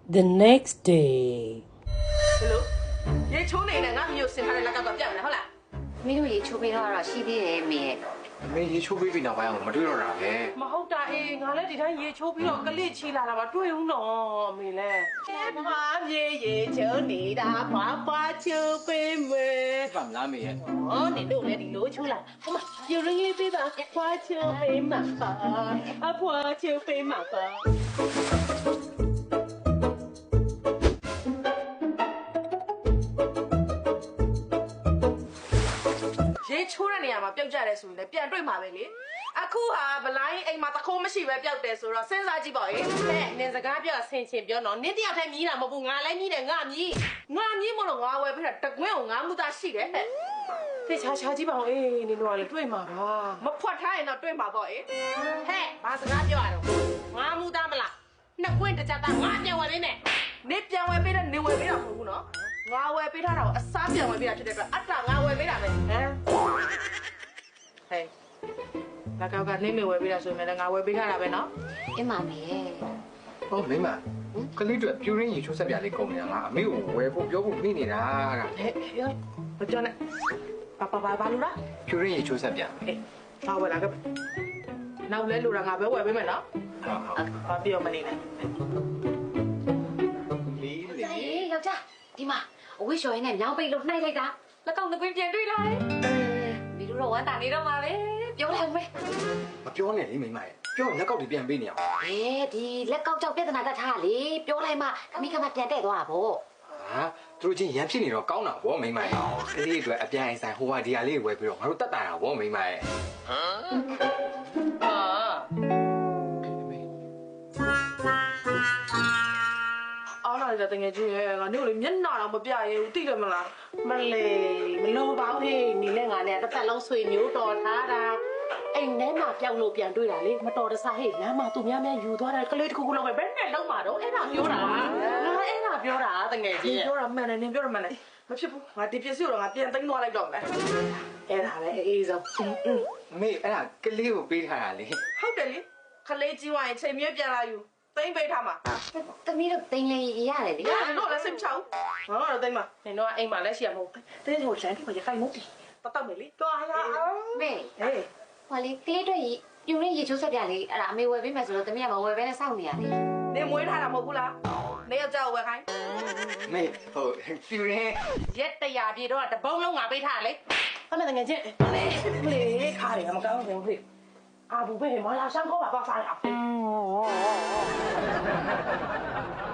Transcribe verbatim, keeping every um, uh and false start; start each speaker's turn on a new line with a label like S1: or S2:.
S1: The next day.
S2: Hello? Ye chou ne na nga mi yo sin tha de la kaw kaw pyak neဟုတ်လား
S3: မင်းတို့ရေချိုးပေးတော့တော့ရှိသေးတယ်မေရဲ့
S4: အမေရေချိုးပေးပြီးနောက်ပိုင်းအောင်မတွေ့တော့တာပဲ
S2: မဟုတ်တာအေးငါလည်းဒီတိုင်းရေချိုးပြီးတော့ကလစ်ချီလာတာပါတွေ့ဦးနော်အမေလည်းမမမြေရေချိုးနေတာဖွာဖွာချိုးပေးမယ်
S4: ဘာမလားမေရဲ့
S2: ဟောနေလို့လည်းဒီလိုချိုးလာဟမရေရင်းလေးပေးပါဖွာချိုးပေးမှာပါအဖွာချိုးပေးမှာပါရေချိုးတဲ့နေရာမှာပျောက်ကြတယ်ဆိုရင်လည်းပြန်တွေ့မှာပဲလေအခုဟာဗလိုင်းအိမ်မှာတခိုးမရှိပဲပျောက်တယ်ဆိုတော့စဉ်းစားကြည့်ပါဦးဟဲ့နင်စကားပြောဆင်ချင်ပြောတော့နင်တယောက်တည်းမြည်တာမဟုတ်ဘူးငါလည်းမြည်တယ်ငါမြည်ငါမြည်မလို့ငါဝယ်ပြီးတာတကွင်းကိုငါမှုသားရှိတယ်ဟဲ့ဖေချာချာကြည့်ပါဦးအေးနင်တို့ကလည်းတွေ့မှာပါမဖွက်ထားရင်တော့တွေ့မှာပေါ့အေးဟဲ့ဘာစကားပြောရတော့ငါမှုသားမလားနှစ်ကွင်းတစ်ချက်သားငါပြန်ဝယ်ပေးမယ်နင်ပြန်ဝယ်ပေးတဲ့နင်ဝယ်ပေးတာမဟုတ်ဘူးနော်ငါဝယ်ပေးထားတာကိုအစားပြန်ဝယ်ပေးတာဖြစ်တဲ့အတွက်အတ္တငါဝယ်ပေးတာပဲဟမ်ဟဲ့လာကောက်ကနေမေဝယ်ပေးတာဆိုရင်လည်းငါဝယ်ပေးထားတာပဲနော်
S3: အင်းမမေရဲ့
S4: ဟောမိမကလေးတို့ပြူရင်းရေချိုးဆက်ပြလေးကုန်နေတာလားအမေကိုဝယ်ဖို့ပြောဖို့မိနေတာက
S2: ဟဲ့ဟဲ့မကြောနဲ့ပါပါပါဘာလို့လား
S4: ပြူရင်းရေချိုးဆက်ပြ
S2: ဟဲ့ဘာဝယ်လာကနောက်လဲလိုတာငါပဲဝယ်ပေးမယ်နော်
S4: ဟုတ်ဟုတ်
S2: ဘာပြောမနေနဲ့
S4: လေး
S3: ဟေး
S4: လေး
S3: ယောက်ျားဒီမှာအဝိရှော်ရင်းနဲ့မြောင်းပိတ်လို့နှိုက်လိုက်တာလက်ကောက်ငကွင်းပြန်တွေ့လာတယ်မီတို့တော့ဝမ်းတာနေတော့မှာပဲပြောလိုက်မယ်
S4: မပြောနဲ့လေမိမရဲ့ပြောလက်ကောက်တွေပြန်ပေးနေအောင်
S3: ဟဲဒီလက်ကောက်ကြောက်ပြဿနာတက်ထားလေပြောလိုက်မှခမိခမပြန်တဲ့သွားတာဗော
S4: ဟာသူတို့ချင်းရန်ဖြစ်နေတော့ကောင်းတာဗောမိမရဲ့ကလေးတွေအတွက်အပြန်အဆိုင်ဟိုဟာဒီဟာလေးဝယ်ပြီးတော့ငါတို့တက်တာတာဗောမိမရဲ့
S2: ဟာအော်လာတဲ့တကယ်ကြီးရဲ့ငါတို့လေမျက်နှာတော့မပြရဘူးသိတယ်မလားမလေမလို့ပါဘူးဟေးနေလဲငါနဲ့တစ်သက်လုံးဆွေမျိုးတော်ထားတာအိမ်ထဲမှာပျောက်လို့ပြန်တွေ့တာလေမတော်တဆဟေးလမ်းမှာသူများများယူသွားတယ်ကလေးတစ်ခုခုလောက်ပဲဘယ်နဲ့လုံးမှာတော့အဲ့ဒါပြောတာငါအဲ့ဒါပြောတာတကယ်ကြီးပြောတာမှန်တယ်နင်ပြောတာမှန်တယ်မဖြစ်ဘူးငါဒီပစ္စည်းကိုတော့ငါပြန်သိမ်းသွားလိုက်တော့မယ်အဲ့ဒါပဲအေးဆုံးอืม
S4: မေအဲ့ဒါကလေးကိုပေးထားတာလေ
S2: ဟုတ်တယ်လေခလေးကြီးဝိုင်းချိန်မြဲပြန်လာယူသိမ့်ပေးထားမှာ
S3: သမီးတို့တင်လေရတယ်လေ
S2: ရတယ်တော့လည်းစိတ်ချောင်းငါကတော့သိမ့်မှာနင်တို့ကအိမ်မှာလည်းရှိရမဟုတ်တင်းကိုလမ်းထိပ်မှာရခိုင်မဟုတ်ဘူးတတ်တော့မယ်လေတော်ရအောင်
S3: မေ
S2: ဟေး
S3: ဟောလေကလေးတို့ပြူရင်းရေချိုးဆက်ပြလေအဲ့ဒါအမေဝယ်ပေးမယ်ဆိုတော့သမီးကမဝယ်ဘဲနဲ့စောင့်နေရလေ
S2: နင်မွေးထားတာမဟုတ်ဘူးလားနေရောက်ကြောက်ဝယ်ခိုင်း
S4: မေဟိုပြူရင်း
S2: ရက်တရာပြေတော့တပုံးလုံးငါပေးထားလေဟုတ်မယ်တကယ်ချင်းလေလေခါရမကောင်းဘူးဖေအာဘူးပဲမလာဆောင်ခေါ်ပါပါစားရအောင်